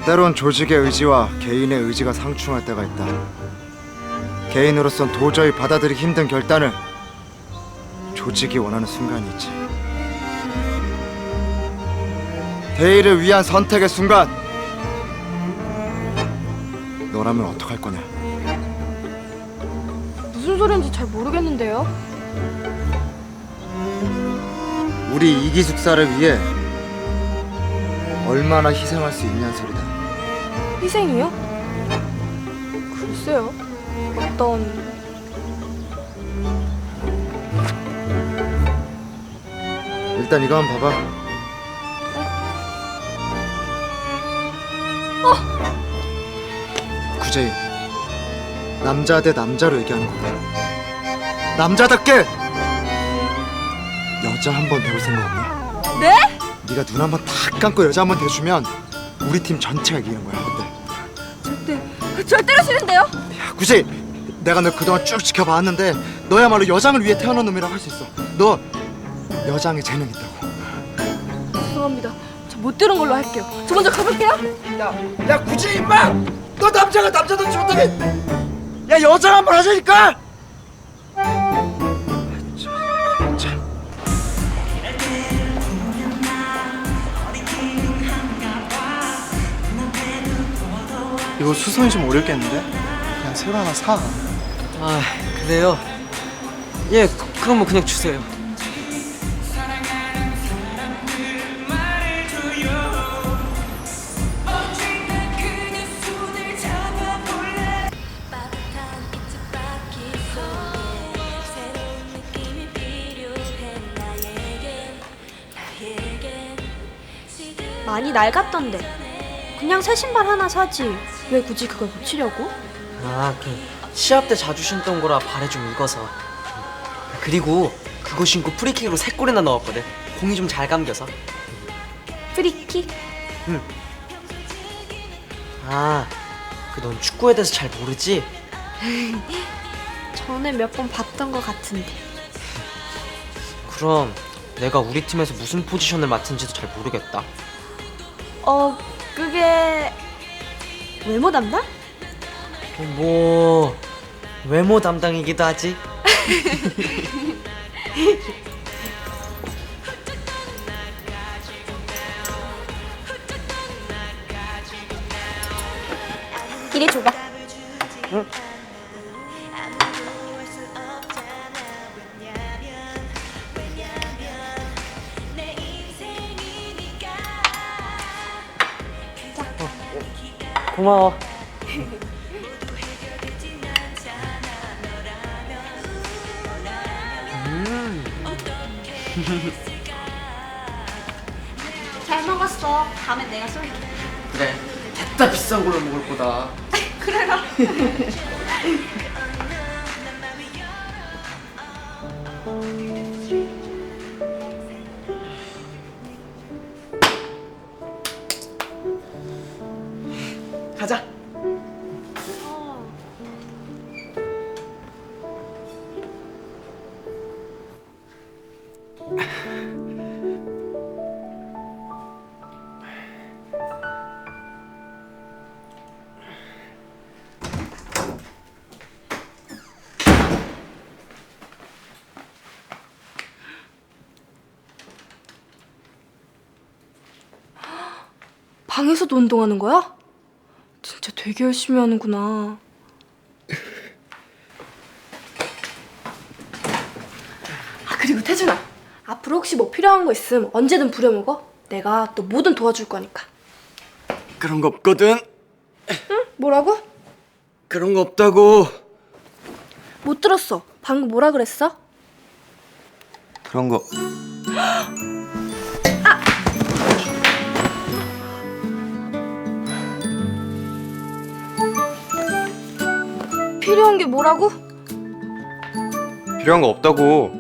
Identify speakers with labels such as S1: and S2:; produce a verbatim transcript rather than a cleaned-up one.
S1: 때론 조직의 의지와 개인의 의지가 상충할 때가 있다. 개인으로선 도저히 받아들이기 힘든 결단을 조직이 원하는 순간이 있지. 대의를 위한 선택의 순간, 너라면 어떡할 거냐?
S2: 무슨 소리인지 잘 모르겠는데요.
S1: 우리 이기숙사를 위해 얼마나 희생할 수 있냐는 소리다.
S2: 희생이요? 글쎄요. 어떤...
S1: 일단 이거 한번 봐봐.
S2: 어!
S1: 구제이, 남자 대 남자로 얘기하는 거야. 남자답게 여자 한 번 배울 생각 없냐?
S2: 네?
S1: 네가 눈 한 번 딱 감고 여자 한 번 대주면 우리 팀 전체가 이기는 거야. 어때?
S2: 절대, 절대로 싫은데요?
S1: 야, 구제이, 내가 너 그동안 쭉 지켜봤는데 너야말로 여장을 위해 태어난 놈이라고 할 수 있어. 너 여장에 재능 있다고.
S2: 죄송합니다. 저 못 들은 걸로 할게요. 저 먼저 가볼게요.
S1: 야, 야 구제이 임마! 너 남자가 남자답지 못하게 야 여장 한 번 하자니까!
S3: 이거 수선이 좀 어렵겠는데? 그냥 새로 하나 사.
S4: 아, 그래요? 예, 그, 그럼 뭐 그냥 주세요.
S5: 많이 낡았던데. 그냥 새 신발 하나 사지. 왜 굳이 그걸 고치려고?
S4: 아, 그 시합 때 자주 신던 거라 발에 좀 익어서. 그리고 그거 신고 프리킥으로 세 골이나 넣었거든. 공이 좀 잘 감겨서.
S5: 프리킥?
S4: 아, 그 넌 축구에 대해서 잘 모르지?
S5: 전에 몇 번 봤던 것 같은데.
S4: 그럼 내가 우리 팀에서 무슨 포지션을 맡은지도 잘 모르겠다.
S5: 어, 그게... 외모 담당?
S4: 어, 뭐 외모 담당이기도 하지.
S5: 이리 줘봐.
S4: 응? 고마워. 음.
S5: 잘 먹었어. 다음엔 내가 쏠게.
S4: 그래. 됐다, 비싼 걸로 먹을 거다.
S5: 그래라.
S4: 가자.
S2: 방에서도 운동하는 거야? 진짜 되게 열심히 하는구나. 아, 그리고 태준아, 앞으로 혹시 뭐 필요한 거 있으면 언제든 부려먹어. 내가 또 뭐든 도와줄 거니까.
S4: 그런 거 없거든.
S2: 응? 뭐라고?
S4: 그런 거 없다고.
S2: 못 들었어. 방금 뭐라 그랬어?
S1: 그런 거
S2: 필요한 게 뭐라고?
S1: 필요한 거 없다고.